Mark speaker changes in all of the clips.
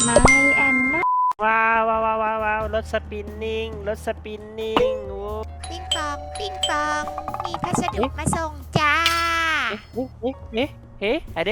Speaker 1: ไม่แอนนา
Speaker 2: ว้าวว้าวว้าวว้าวว้าวรถสปินนิ่งรถสปินนิ่งโอ้
Speaker 3: ปิ้งปองปิ้งปองมีพัสดุ
Speaker 2: เอ๊ะ
Speaker 3: มาส่งจ้า
Speaker 2: เฮ้อะไร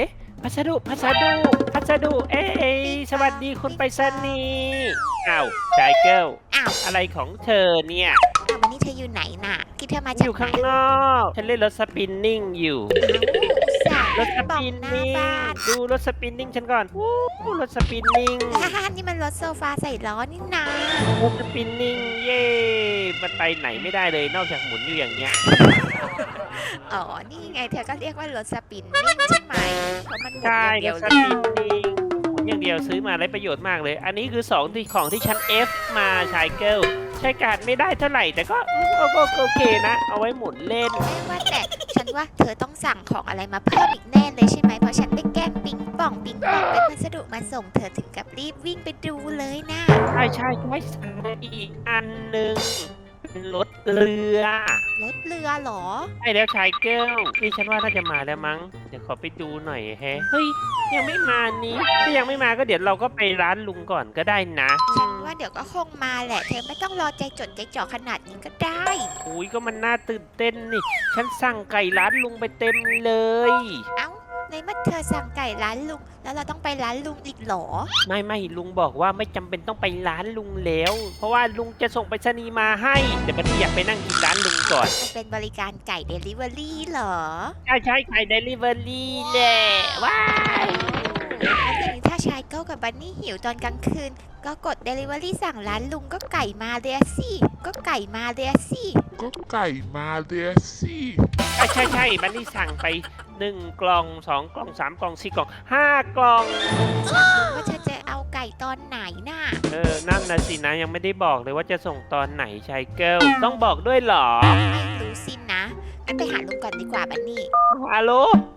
Speaker 2: พัสดุเอ้ยสวัสดีคุณไปรษณีย์อ้าวชายเกิล
Speaker 3: อ้าว
Speaker 2: อะไรของเธอเนี่ย
Speaker 3: วันนี้เธออยู่ไหนน่ะที่เธอมา
Speaker 2: อ
Speaker 3: จาก
Speaker 2: ยู่
Speaker 3: ไหน
Speaker 2: ข้างนอกฉันเล่นรถสปินนิ่งอยู่
Speaker 3: อ้าว
Speaker 2: ร
Speaker 3: อุ
Speaker 2: ถ
Speaker 3: ต
Speaker 2: ส
Speaker 3: ส่าห์บอก
Speaker 2: ปิน
Speaker 3: หน้า
Speaker 2: นิ่ง
Speaker 3: บ้าน
Speaker 2: ดูรถสปินนิ่งฉันก่อนวู้รถสปินนิ่ง
Speaker 3: นี่มันรถโซฟาใส่ล้อนี่นาร
Speaker 2: ถสปินนิ่งเย่มันไปไหนไม่ได้เลยนอกจากหมุนอยู่อย่างเงี้ย
Speaker 3: อ๋อนี่ไงเธอก็เรียกว่ารถสปินนิ่งใช่ไหมเพราะมันหมุน
Speaker 2: ใช่
Speaker 3: อย่าง
Speaker 2: ร
Speaker 3: เดียว
Speaker 2: ถส
Speaker 3: เลย
Speaker 2: ปินนิ่งหมุนอย่างเดียวซื้อมาได้ประโยชน์มากเลย อันนี้คือของที่ฉัน F มาชายเกิลใช้การไม่ได้เท่าไหร่แต่ก็ก็โอเคนะ เอาไว้หมุนเล่น
Speaker 3: ไม่ว่าแต่ฉันว่าเธอต้องสั่งของอะไรมาเพิ่มอีกแน่เลยใช่ไหมเพราะฉันไปแกล้งปิ๊งป่องเป็นพัสดุมาส่งเธอถึงกับรีบวิ่งไปดูเลยนะ
Speaker 2: ใช่อีกอันหนึ่งเป็นรถเรือ
Speaker 3: รถเรือเหรอ
Speaker 2: ใช่แล้วชายเกิลนี่ฉันว่าน่าจะมาแล้วมั้งเดี๋ยวขอไปดูหน่อยแฮะเฮ้ยยังไม่มานี้ถ้ายังไม่มาก็เดี๋ยวเราก็ไปร้านลุงก่อนก็ได้นะ
Speaker 3: ฉันว่าเดี๋ยวก็คงมาแหละ เธอไม่ต้องรอใจจดใจจ่อขนาดนี้ก็ได้
Speaker 2: อุ้ยก็มันน่าตื่นเต้นนี่ ฉันสั่งไก่ร้านลุงไปเต็มเลย
Speaker 3: เอ้าในเมื่อเธอสั่งไก่ร้านลุง แล้วเราต้องไปร้านลุงอีกเหรอ
Speaker 2: ไม่ลุงบอกว่าไม่จำเป็นต้องไปร้านลุงแล้ว เพราะว่าลุงจะส่งไปรษณีย์มาให้แต่บัดนี้อยากไปนั่งกินร้านลุงก่อน
Speaker 3: มันเป็นบริการไก่เดลิเวอรี่เหรอ
Speaker 2: ใช่ไก่เดลิเวอรี่แหละว้าย
Speaker 3: แล้วอย่างนี้ถ้าชายเก้ากับบันนี่หิวตอนกลางคืน ก็กดเดลิเวอรี่สั่งร้านลุงก็ไก่มาเลยอะสิก็ไก่มาเลยอะสิ
Speaker 4: ก็ไก่มาเดียสิ
Speaker 2: ใช่บัดนี้สั่งไป1 กล่อง2 กล่อง3 กล่อง4 กล่อง5 กล่อง
Speaker 3: ว่าเธอจะเอาไก่ตอนไหนน่ะ
Speaker 2: นั่นนะสินะยังไม่ได้บอกเลยว่าจะส่งตอนไหนชายเกิลต้องบอกด้วยเหรอ
Speaker 3: ไม่รู้สินะงั้นไปหาลุงก่อนดีกว่าบันนี่
Speaker 2: ฮัลโหล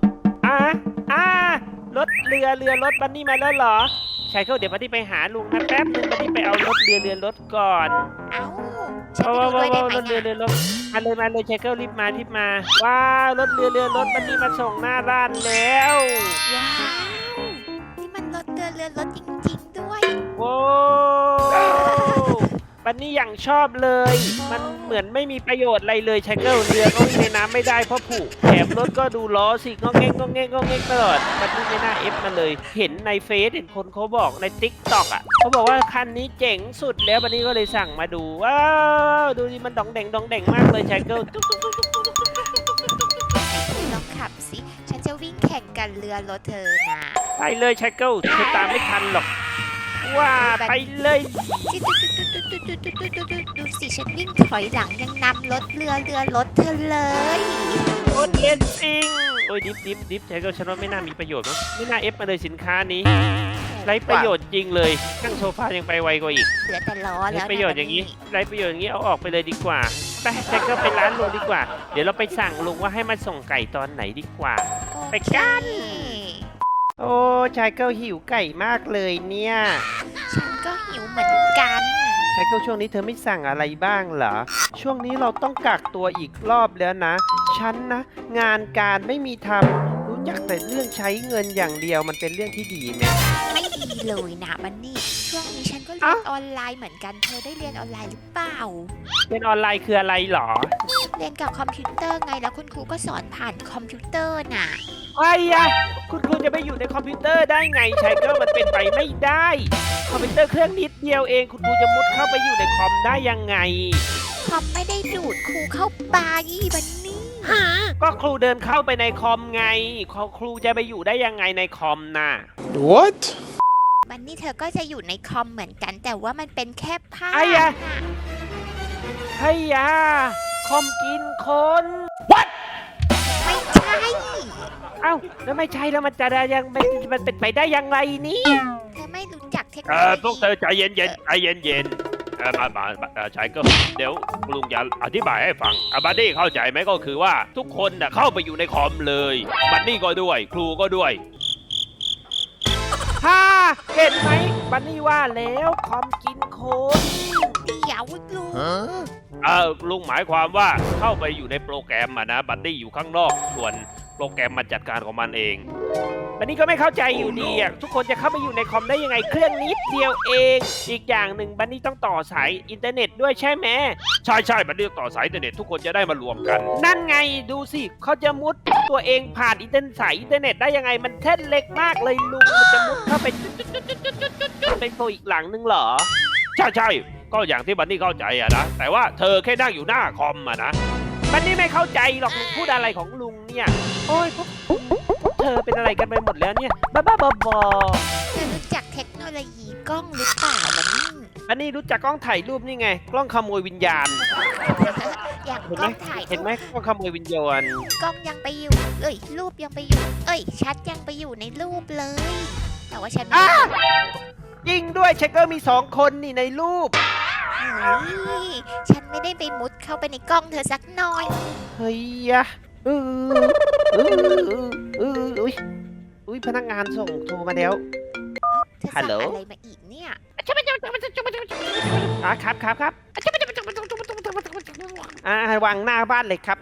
Speaker 2: รถเรือรถบันนี่มาแล้วเหรอชายเกิลเดี๋ยวบันนี่ไปหาลุงนะแป๊บนึงบันนี่ไปเอารถเรือรถก่อน
Speaker 3: เอ้าฉันไปดูด้วยได้ไหม
Speaker 2: รถเรือ
Speaker 3: น่ะ
Speaker 2: รถมาเลยชายเกิลรีบมาว้าวรถเรือรถบันนี่มาส่งหน้าร้านแล้ว
Speaker 3: ว้าวนี่มันรถรถจริงๆด้วย
Speaker 2: โว้บันนี่อย่างชอบเลย มันเหมือนไม่มีประโยชน์อะไรเลยชายเกิลเรือก็วิ่งในน้ำไม่ได้เพราะผุแถมรถก็ดูล้อสิงอเงกตลอดบันนี่ไม่น่าเอฟมาเลย เห็นในเฟซเห็นคนเขาบอกในติ๊กต็อกอ่ะเขาบอกว่าคันนี้เจ๋งสุดแล้วบันนี่ก็เลยสั่งมาดูว้าวดูดิมันดองแดงมากเลยชายเกิล
Speaker 3: ลองขับสิ ฉันจะวิ่งแข่งกันเรือรถเธอนะ
Speaker 2: ไปเลยชายเกิลเธอตามไม่ทันหรอกว่าไปเลย
Speaker 3: ดูสิฉันวิ่งถอยหลังยังนำรถเรือรถเธอเลย
Speaker 2: โคตรเล่นจริงโอ้ยดิฟชายเกิลฉันว่าไม่น่ามีประโยชน์มั้งไม่น่าเอฟมาเลยสินค้านี้ไร้ประโยชน์จริงเลยนั่งโซฟายังไปไวกว่าอีก
Speaker 3: เหลือแต่ล้อ
Speaker 2: ไร้
Speaker 3: แล้ว
Speaker 2: ประโยชน์อย่างนี้ไร้ประโยชน์อย่างนี้เอาออกไปเลยดีกว่าไปชายเกิลไปร้านลุงดีกว่าเดี๋ยวเราไปสั่งลุงว่าให้มาส่งไก่ตอนไหนดีกว่า ไปกัน โอ้ชายเกิลหิวไก่มากเลยเนี่ย
Speaker 3: ฉันก็หิวเหมือนกัน
Speaker 2: ชายเกิลช่วงนี้เธอไม่สั่งอะไรบ้างเหรอช่วงนี้เราต้องกักตัวอีกรอบแล้วนะฉันนะงานการไม่มีทำรู้จักแต่เรื่องใช้เงินอย่างเดียวมันเป็นเรื่องที่ดีไหม
Speaker 3: ไม่ดีเลยนะมันนี่ ช่วงนี้ฉันก็เรียนออนไลน์เหมือนกัน เธอได้เรียนออนไลน์หรือเปล่า
Speaker 2: เรียนออนไลน์คืออะไรเหรอ
Speaker 3: เรียนกับคอมพิวเตอร์ไง แล้วคุณครูก็สอนผ่านคอมพิวเตอร์น่ะ
Speaker 2: ไอ้ยะคุณครูจะไปอยู่ในคอมพิวเตอร์ได้ไงชายเกิลมันเป็นไปไม่ได้คอมพิวเตอร์เครื่องนิดเดียวเองคุณครูจะมุดเข้าไปอยู่ในคอมได้ยังไง
Speaker 3: คอมไม่ได้ดูดครูเข้าไปบันนี่
Speaker 2: ก็ครูเดินเข้าไปในคอมไงครูจะไปอยู่ได้ยังไงในคอมน่ะ
Speaker 4: What
Speaker 3: บันนี่เธอก็จะอยู่ในคอมเหมือนกัน แต่ว่ามันเป็นแค่ภาพ
Speaker 2: ไอ้ยะ
Speaker 3: น่ะ
Speaker 2: ไอ้ยาคอมกินคน
Speaker 3: ไม่ใช่
Speaker 2: เอ้าแล้วไม่ใช่แล้วมันจะได้ยังมันเป็นไปได้ยังไงนี่
Speaker 3: เธอไม่รู้จักเทคโนโลยี
Speaker 5: พวกเธอใจเย็นใจเย็นมาชายเก็เดี๋ยวลุงจะอธิบายให้ฟังบัดดี้เข้าใจไหมก็คือว่าทุกคนน่ะเข้าไปอยู่ในคอมเลยบัดดี้ก็ด้วย ครูก็ด้วย
Speaker 2: ฮ่าเห็นไหมบันนี่ว่าแล้วคอมกินคน
Speaker 3: เดี๋ยวลุง
Speaker 5: ลุงหมายความว่าเข้าไปอยู่ในโปรแกรมนะบัดดี้อยู่ข้างนอกส่วนโปรแกรมมันจัดการของมันเอง
Speaker 2: บันนี่ก็ไม่เข้าใจอยู่ดีอ่ะทุกคนจะเข้าไปอยู่ในคอมได้ยังไงเครื่องนิดเดียวเอง อีกอย่างหนึ่งบันนี่ต้องต่อสายอินเทอร์เน็ตด้วยใช่ไหม
Speaker 5: ใช่บันนี่ต่อสายอินเทอร์เน็ตทุกคนจะได้มารวมกัน
Speaker 2: นั่นไงดูสิเขาจะมุดตัวเองผ่านสายอินเทอร์เน็ตได้ยังไงมันแท่นเล็กมากเลยลุงมันจะมุดเข้าไปเป็นโปรอีกหลังนึงเหรอ
Speaker 5: ใช่ก็อย่างที่บันนี่เข้าใจอะนะแต่ว่าเธอแค่นั่งอยู่หน้าคอมอะนะ
Speaker 2: บันนี่ไม่เข้าใจหรอกลุงพูดอะไรของลุงเนี่ยโอ้ยพวกเธอเป็นอะไรกันไปหมดแล้วเนี่ยบ้าบอ
Speaker 3: เธอรู้จักเทคโนโลยีกล้องหรือเปล่าบันนี่
Speaker 2: บันนี่รู้จักกล้องถ่ายรูปนี่ไงกล้องขโมยวิญญาณ
Speaker 3: อย่าง
Speaker 2: เห็น
Speaker 3: ก
Speaker 2: ไห
Speaker 3: ล้
Speaker 2: ม
Speaker 3: องถ่าย
Speaker 2: เห็นไหมกล้องขโมยวิญญาณ
Speaker 3: กล้องยังไปอยู่รูปยังไปอยู่ชัดยังไปอยู่ในรูปเลย แต่ว่าฉันไม่ได้
Speaker 2: ยิงด้วยเชคเกอร์มี2 คนนี่ในรูป
Speaker 3: เฮ้ยฉันไม่ได้ไปมุดเข้าไปในกล้องเธอสักหน่อย
Speaker 2: เฮ้ยอะอุ้ยพนักงานส่งโทรมาแล้ว
Speaker 3: เธอ
Speaker 2: ฮั
Speaker 3: สั่
Speaker 2: ล
Speaker 3: ง
Speaker 2: โหล
Speaker 3: อะไรมาอีกเนี่ย
Speaker 2: ครับวางหน้าบ้านเลยครับ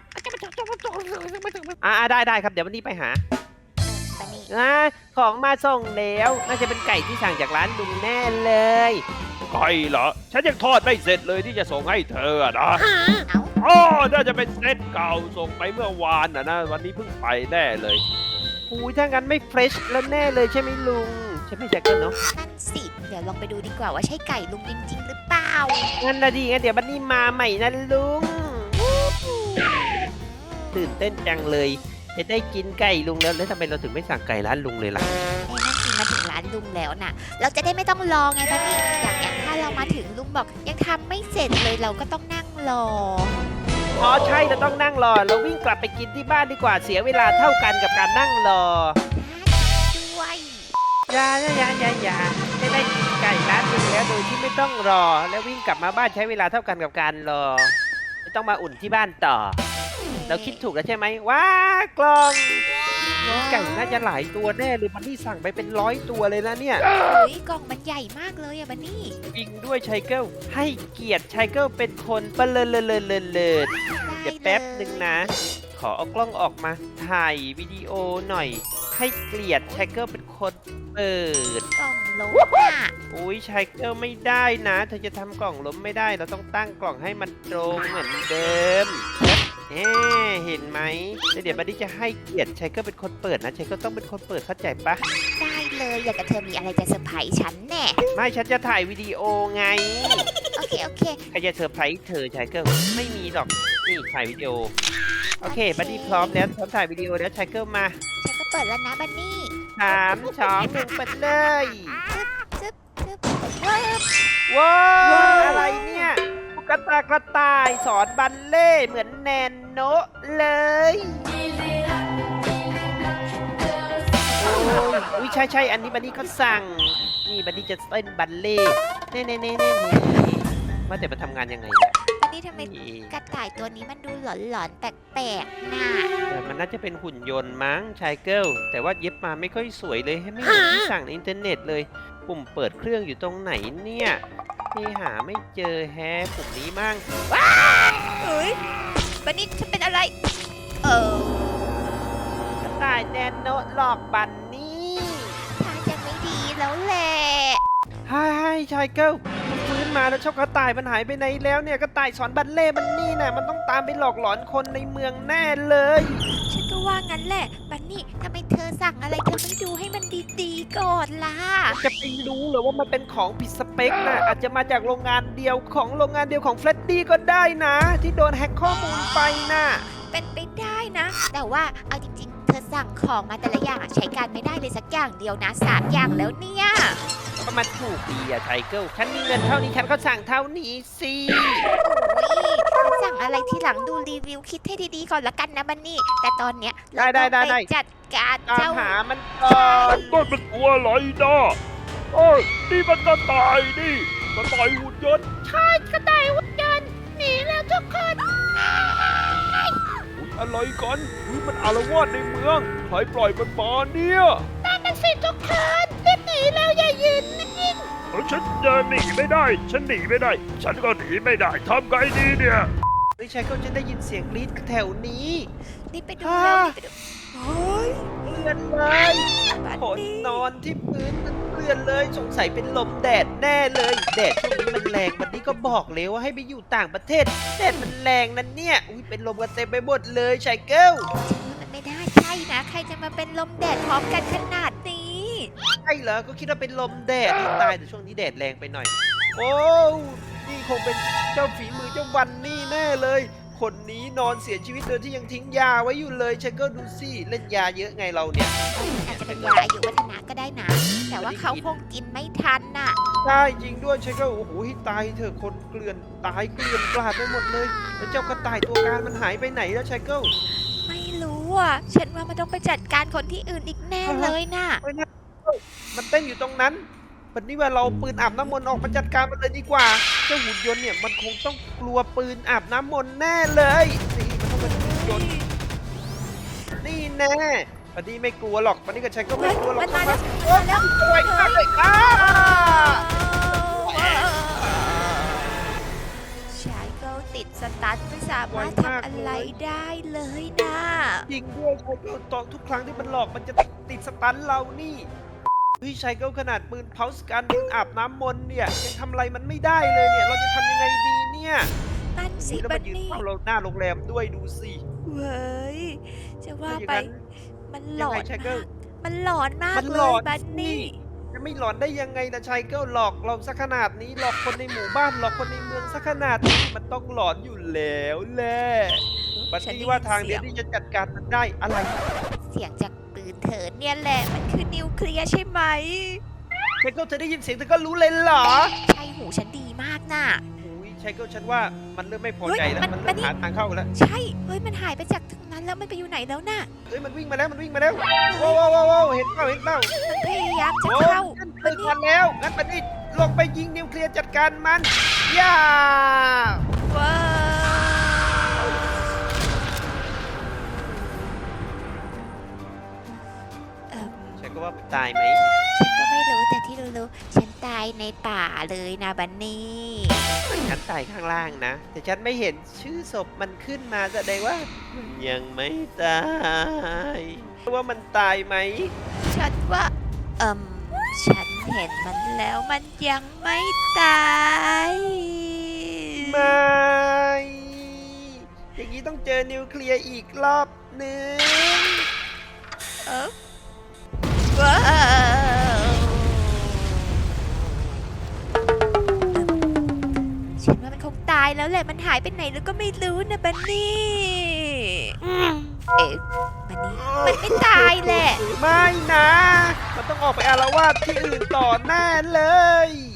Speaker 2: ได้ครับเดี๋ยววันนี้ไปหา
Speaker 3: บันนี่
Speaker 2: ของมาส่งแล้วน่าจะเป็นไก่ที่สั่งจากร้านลุงแน่เลย
Speaker 5: ใครเหรอฉันยังทอดไม่เสร็จเลยที่จะส่งให้เธออะนะ
Speaker 3: เอ้า
Speaker 5: อ๋อน่าจะเป็นเซตเก่าส่งไปเมื่อวานนะวันนี้เพิ่งไปแน่เลย
Speaker 2: อุ้ยถ้างั้นไม่เฟรชแล้วแน่เลยใช่ไหมลุงใช่ไหมแจ็คเกิลเนาะ
Speaker 3: นั่นสิเดี๋ยวลองไปดูดีกว่าว่าใช่ไก่ลุงจริงๆหรือเปล่า
Speaker 2: งั้นนะดีงั้นเดี๋ยวบันนี่มาใหม่นะลุงตื่นเต้นจังเลยจะได้กินไก่ลุงแล้วทำไมเราถึงไม่สั่งไก่ร้านลุงเลยล่ะ
Speaker 3: นั่นสิมาถึงร้านลุงแล้วน่ะ เราจะได้ไม่ต้องรอไงบันนี่อย่างถ้าเรามาถึงลุงบอกยังทำไม่เสร็จเลยเราก็ต้องนั่งรอ
Speaker 2: อ๋อใช่เราต้องนั่งรอเราวิ่งกลับไปกินที่บ้านดีกว่าเสียเวลาเท่ากันกับการนั่งรอ
Speaker 3: ด้วย
Speaker 2: อย่าจะได้กินไก่ร้านลุงแล้วโดยที่ไม่ต้องรอ แล้ววิ่งกลับมาบ้านใช้เวลาเท่ากันกับการรอไม่ต้องมาอุ่นที่บ้านต่อ เราคิดถูกแล้วใช่ไหมว้ากล่องไก่น่าจะหลายตัวแน่เลยมันนี่สั่งไปเป็น100 ตัวเลยนะเนี่ย
Speaker 3: เฮ้ยกล่องมันใหญ่มากเลยอะบันนี่
Speaker 2: จริงด้วยไชเกิลให้เกียรติไชเกิลเป็นคนเปเลิศเดี๋ยวแป๊บหนึ่งนะ ขอเอากล้องออกมาถ่ายวิดีโอหน่อย ให้เกียรติไชเกิลเป็นคนเปิด
Speaker 3: กล่องล้มอ่ะ
Speaker 2: อุ้ยไชเกิลไม่ได้นะเธอจะทำกล่องล้มไม่ได้เราต้องตั้งกล่องให้มันตรงเหมือนเดิมเห็นไหมเดี๋ยวบัดดี้จะให้เกียรติไชเกิลเป็นคนเปิดนะไชเกิลต้องเป็นคนเปิดเข้าใจปะ
Speaker 3: ได้เลยอยากกับเธอมีอะไรจะเซอร์ไพรส์ฉันแน่
Speaker 2: ไม่ฉันจะถ่ายวิดีโอไง
Speaker 3: โอเค
Speaker 2: ใครจะเซอร์ไพรส์เธอไชเกิลไม่มีหรอกนี่ถ่ายวิดีโอโอเคบัดดี้พร้อมแล้วพร้อมถ่ายวิดีโอแล้วไชเกิลมา
Speaker 3: ฉันก็เปิดแล้วนะบันนี่
Speaker 2: 3 2 1เปิดเลย
Speaker 3: ซึบว้าว
Speaker 2: ว้าวอะไรเนี่ยตุ๊กตากระต่ายสอนบัลเล่ต์เหมือนแนนโนะเลยโอ้ยอุ้ยใช่อันนี้บันนี่ก็สั่งนี่บันนี่จะเต้นบัลเล่ต์เน่ว่าแต่มาทำงานยังไงเนี่ย
Speaker 3: บันนี่ทำไม
Speaker 2: นี่
Speaker 3: กระต่ายตัวนี้มันดูหลอนๆแปลกๆน่ะ
Speaker 2: แต่มันน่าจะเป็นหุ่นยนต์มั้งชายเกิลแต่ว่าเย็บมาไม่ค่อยสวยเลยให้ไม่เหมือนที่สั่งในอินเทอร์เน็ตเลย ปุ่มเปิดเครื่องอยู่ตรงไหนเนี่ยนี่หาไม่เจอแฮะปุ่มนี้มั่ง
Speaker 3: เฮ้ยบันนี่ฉันเป็นอะไร
Speaker 2: กระต่ายแนนโนะหลอกบันนี่
Speaker 3: ถ้าจะไม่ดีแล้วแหละ
Speaker 2: ใช่ชายเกิลมันฟื้นมาแล้วชอบกระต่ายมันหายไปไหนแล้วเนี่ยกระต่ายสอนบัลเล่ต์มันนี่น่ะมันต้องตามไปหลอกหลอนคนในเมืองแน่เลย
Speaker 3: ฉันก็ว่างั้นแหละบันนี่ทำไมเธอสั่งอะไรเธอไม่ดูให้มันดีๆก่อนล่ะ
Speaker 2: จะไปรู้เหรอว่ามันเป็นของผิดสเปคนะอาจจะมาจากโรงงานเดียวของเฟรดดี้ก็ได้นะ ที่โดนแฮ็กข้อมูลไปนะ
Speaker 3: เป็นไปได้นะ แต่ว่าเอาจริงๆ เธอสั่งของมาแต่ละอย่างอะใช้การไม่ได้เลยสักอย่างเดียวนะ3 อย่างแล้วเนี่ย
Speaker 2: ก็มันถูกดีอะไทเกิลฉันมีเงินเท่านี้ฉันก็สั่งเท่านี้สิ
Speaker 3: โอ้ยสั่งอะไรที่หลังดูรีวิวคิดให้ดีๆก่อนละกันนะบันนี่ แต่ตอนเนี้ยเราต้องไปจัดการ
Speaker 2: ตาม
Speaker 3: เจ้า
Speaker 2: หามันก่อน
Speaker 5: ต้นเป็นตัวอะไรนะโอ้ยนี่มันกระต่ายนี่กระต่ายหุ่นยนต์
Speaker 3: ใช่กระต่ายหุ่นยนต์หนีแล้วทุกคน
Speaker 5: อุ๊ยอะไรกันอุ๊ยมันอารวาสในเมืองใครปล่อยมันมาเนี่ย
Speaker 3: นั่นน่ะสิทุกคนรีบหนีแล้วอย่ายืนนิ่ง
Speaker 5: ฉันจะหนีไม่ได้ ฉันหนีไม่ได้ ฉันก็หนีไม่ได้ทำไงดีเนี่ย
Speaker 2: ไม่ใช่เขาจะได้ยินเสียงกรี๊ดแถวนี้
Speaker 3: รีบไปดูเร็วรีบไปดูเฮ้ย
Speaker 2: เปื้อนเลย
Speaker 3: บัด
Speaker 2: ขน
Speaker 3: ดี้
Speaker 2: นอนที่พื้นมันเปื้อนเลยสงสัยเป็นลมแดดแน่เลยแดดช่วงนี้มันแรงบัดนี้ก็บอกเลยว่าให้ไปอยู่ต่างประเทศแดดมันแรงนั่นเนี่ยอุ้ยเป็นลมกันเต็มไปหมดเลยชายเกิล
Speaker 3: ฉันว่ามันไม่ได้ใช่นะ ใครจะมาเป็นลมแดดพร้อมกันขนาดนี้
Speaker 2: ใช่เหรอก็คิดว่าเป็นลมแดดตายแต่ช่วงนี้แดดแรงไปหน่อย โอ้นี่คงเป็นเจ้าฝีมือเจ้าวันนี่แน่เลย คนนี้นอนเสียชีวิตโดยที่ยังทิ้งยาไว้อยู่เลยชายเกิลดูสิเล่นยาเยอะไงเราเนี่ย
Speaker 3: อาจจะเป็นยาอายุวัฒนะก็ได้นะ แต่ว่าเขาคงกินไม่ทันน่ะ
Speaker 2: ใช่จริงด้วยชายเกิลโอ้โหตายเถอะคนเกลื่อนตายเกลื่อนกลาดไปหมดเลยแล้วเจ้ากระต่ายตัวการมันหายไปไหนแล้วชายเกิล
Speaker 3: ไม่รู้อ่ะ ฉันว่ามันต้องไปจัดการคนที่อื่นอีกแน่เลยน่ะ
Speaker 2: ไม่น่ามันเต้นอยู่ตรงนั้นวันนี้ว่าเราปืนอาบน้ำมนต์ออกมาจัดการมันเลยดีกว่า เจ้าหุ่นยนต์เนี่ยมันคงต้องกลัวปืนอาบน้ำมนต์แน่เลย นี่มันต้องเป็นหุ่นยนต์นี่แน่วันนี้ไม่กลัวหรอกวันนี้กับฉันก็ไม่กลัวหรอก
Speaker 3: มันมาแล้ว
Speaker 2: โอ๊ยไวมากเลยอ้า
Speaker 3: ชายเกิลติดสตันไม่สามารถทำอะไรได้เลยนะ
Speaker 2: จริงด้วยชายเกิลตอนทุกครั้งที่มันหลอกมันจะติดสตันเรานี่เฮ้ยชายเกิลขนาดปืนเพาสการปืนอาบน้ำมนต์เนี่ยยังทำอะไรมันไม่ได้เลยเนี่ยเราจะทำยังไงดีเนี่ย
Speaker 3: นั่นสิ
Speaker 2: แล้ว
Speaker 3: บั
Speaker 2: มัน นยืน
Speaker 3: นี่
Speaker 2: เฝ้าเราหน้าโรงแรมด้วยดูสิ
Speaker 3: เว้ย จะว่า
Speaker 2: ถ้าอย่าง
Speaker 3: ไป
Speaker 2: นั้น
Speaker 3: มันหล
Speaker 2: ยัง
Speaker 3: อ
Speaker 2: ไง
Speaker 3: น
Speaker 2: ชายเกิล
Speaker 3: มันหลอนมาก
Speaker 2: มัน
Speaker 3: เล
Speaker 2: หลอย น
Speaker 3: บันนี่
Speaker 2: จะไม่หลอนได้ยังไงนะชายเกิลหลอกเราสักขนาดนี้หลอกคนในหมู่บ้านหลอกคนในเมืองสักขนาดนี้มันต้องหลอนอยู่แล้วแหละบัดนี้ว่าทางเดียวที่จะจัดการมันได้อะไร
Speaker 3: เสียงจากปืนเถินเนี่ยแหละ มันคือนิวเคลียร์ใช่ไหม
Speaker 2: ชายเกิลเธอได้ยินเสียงเธอก็รู้เลยเหรอ
Speaker 3: ใช่หูฉันดีมากน่ะ
Speaker 2: อุ้ยชายเกิลฉันว่ามันเริ่มไม่พอใจแล้ว
Speaker 3: เฮ้ย
Speaker 2: มัน
Speaker 3: มั
Speaker 2: เริ่
Speaker 3: น
Speaker 2: มหาทางเข้าแล้ว
Speaker 3: ใช่ เฮ้ย มันหายไปจากตรงนั้นแล้วมันไปอยู่ไหนแล้วน่ะ
Speaker 2: เฮ้ยมันวิ่งมาแล้วมันวิ่งมาแล้วว้าวว้าวว้าวเห็นเปล่าเห็นเปล่า
Speaker 3: มันพยายามจะ
Speaker 2: โอ้
Speaker 3: เข้า
Speaker 2: ฉัน
Speaker 3: บั
Speaker 2: ตื่
Speaker 3: น
Speaker 2: น
Speaker 3: นี่
Speaker 2: ทันแล้วงั้นบัดนี้ลงไปยิงนิวเคลียร์จัดการมันย่า
Speaker 3: ว้าวเอิ่ม
Speaker 2: ฉันก็ว่าตายไหม
Speaker 3: ฉันก็ไม่รู้แต่ที่รู้ๆฉันตายในป่าเลยนะบันนี่
Speaker 2: ฉันตายข้างล่างนะ แต่ฉันไม่เห็นชื่อศพมันขึ้นมาแสดงว่ามันยังไม่ตายว่ามันตายไหม
Speaker 3: ฉันว่า ฉันเห็นมันแล้วมันยังไม่ตาย
Speaker 2: ไม่อย่างนี้ต้องเจอนิวเคลียร์อีกรอบหนึ่ง
Speaker 3: ว้าวฉันว่ามันคงตายแล้วแหละมันหายไปไหนแล้วก็ไม่รู้นะบันนี่เอ๊ะบันนี่มันไม่ตายแหละ
Speaker 2: ไม่นะ มันต้องออกไปอาละวาดที่อื่นต่อแน่เลย